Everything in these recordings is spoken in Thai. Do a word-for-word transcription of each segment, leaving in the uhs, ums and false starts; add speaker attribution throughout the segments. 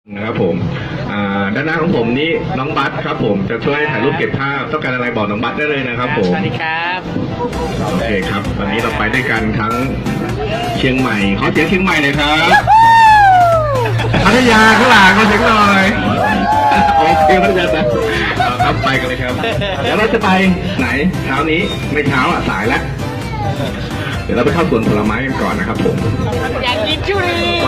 Speaker 1: นะครับผมด้านหน้าของผมนี่น้องบัสครับผมจะช่วยถ่ายรูปเก็บภาพต้องการอะไรบอกน้องบัสได้เลยนะครับผม
Speaker 2: สวัสดีครับ
Speaker 1: โอเคครับวันนี้เราไปด้วยกันทั้งเชียงใหม่ขอเสียงเชียงใหม่หน่อยครับพัทยาข้างหลังขอเสียงหน่อยโอเคพัทยาครับครับไปกันเลยครับเดี๋ยวเราจะไปไหนเช้านี้ไม่เช้าอ่ะสายแล้วเดี๋ยวเราไปเข้าสวนผลไม้กันก่อนนะครับผม
Speaker 2: อยากกินทุเรียน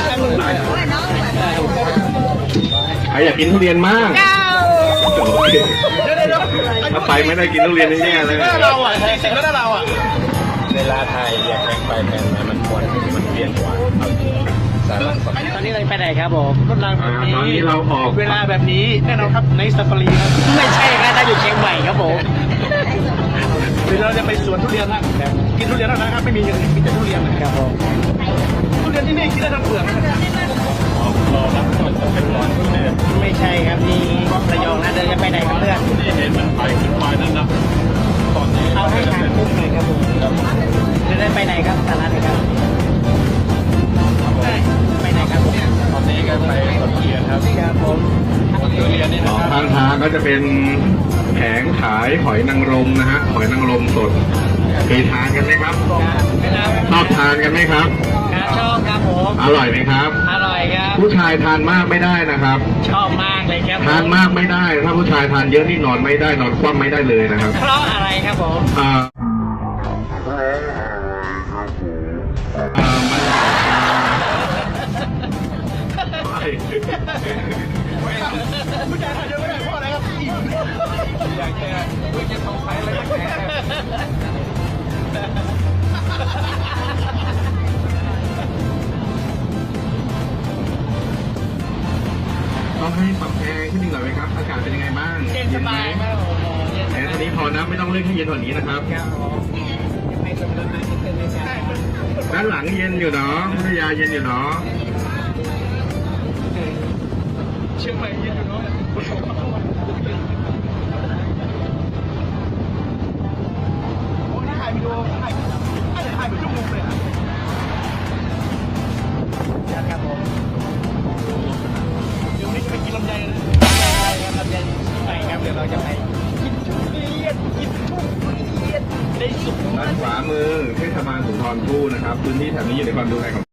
Speaker 1: ใครอยากกินทุเรียนมากโอเคถ้าไปไม่ได้กินทุเรียนแน่ๆเลย
Speaker 2: เราอ่ะจริงๆแล้วเราอ่ะ
Speaker 3: เวลาไทยอยากแข่งไปแข่งมามันควรมันเปลี่ยนกว่าเอาจริงสาระ
Speaker 2: ตอนนี้เราไปไหนครับผมกำลังแบบนี้
Speaker 1: ตอนนี้เราออก
Speaker 2: เวลาแบบนี้แน่นอนครับในซาฟารีครับไม่ใช่ครับเราอยู่เชียงใหม่ครับผม
Speaker 3: เดี๋ยวเราจะไปสวนทุเรียนนะกินทุเรียนแล้วนะครับไม่มีอย่างอื่นมีแต่ทุเรียนนะครับ
Speaker 2: ผม
Speaker 3: ทุเรียนที่นี่กินได้ทั้งเปลือกนะครับรอรับก่อนจะเป็นร้อนทุเรียน
Speaker 2: ไม่ใช่ครับนี่ระยองนะเดินจะไปไหนครับเพื่อน
Speaker 3: ที่เห็นมันไปขึ้นไปนั่นนะตอนนี้
Speaker 2: เอาให้ทางคุ้มหน่อยครับผมจะได้ไปไหนครับสาระไหนครับไปไหนครับผม
Speaker 3: ตอนนี้ก็ไปสวนทุเรียนครับ
Speaker 2: ครับผม
Speaker 3: ทุเรียนนี่
Speaker 1: ส
Speaker 3: นะ
Speaker 1: อง
Speaker 3: ครับ
Speaker 1: ข้างทางก็จะเป็นแผงขายหอยนางรมนะฮะหอยนางรมสดเคยทานกันไหมครับชอบทานกันไหมครับ
Speaker 2: ครับชอบครับผม
Speaker 1: อร่อยไหมครับ
Speaker 2: อร่อยครับ
Speaker 1: ผู้ชายทานมากไม่ได้นะครับ
Speaker 2: ชอบมากเลยครับ
Speaker 1: ทานมากไม่ได้ ถ้าผู้ชายทานเยอะนี่นอนไม่ได้นอนคว่ำไม่ได้เลยนะครับ
Speaker 2: เพราะอะไรครับผม
Speaker 1: อ่าอ่ามัน
Speaker 3: ผู้ชายทานเยอะไม่ได้เพราะอะไรครับอยากแก่ไม่จะต้องใช้อะไรแก่
Speaker 1: ต้องให้ปรับแอร์ขึ้นอีกหน่อยไหมครับ อากาศเป็นยังไงบ้าง
Speaker 2: เย็นสบายมากผมเย็นส
Speaker 1: แอร์
Speaker 2: บา
Speaker 1: ตอนนี้พอนะไม่ต้องเร่งให้เย็นกว่านี้นะครับ
Speaker 2: ครับผมไปสมุทรสาครนิดนึงนะครับ
Speaker 1: ด้านหลังเย็นอยู่เนาะพัทยาเย็นอยู่เนาะ
Speaker 3: เชียงใหม่เย็นอยู่เนาะโอ้นี่ถ่ายวิดีโอถ่ายถ่ายถ่ายเป็นชั่วโมงเลยอะ
Speaker 2: ครับผม
Speaker 3: เดี๋ยวนี้จะไปกินลำไยนะ
Speaker 2: ไปครับเย็นไปครับเดี๋ยวเราจะไปกินทุเรียนกินทุเรียนได้สุด
Speaker 1: ด้านขวามือเทศบาลสุนทรภู่นะครับพื้นที่แถบนี้อยู่ในความดูแลของ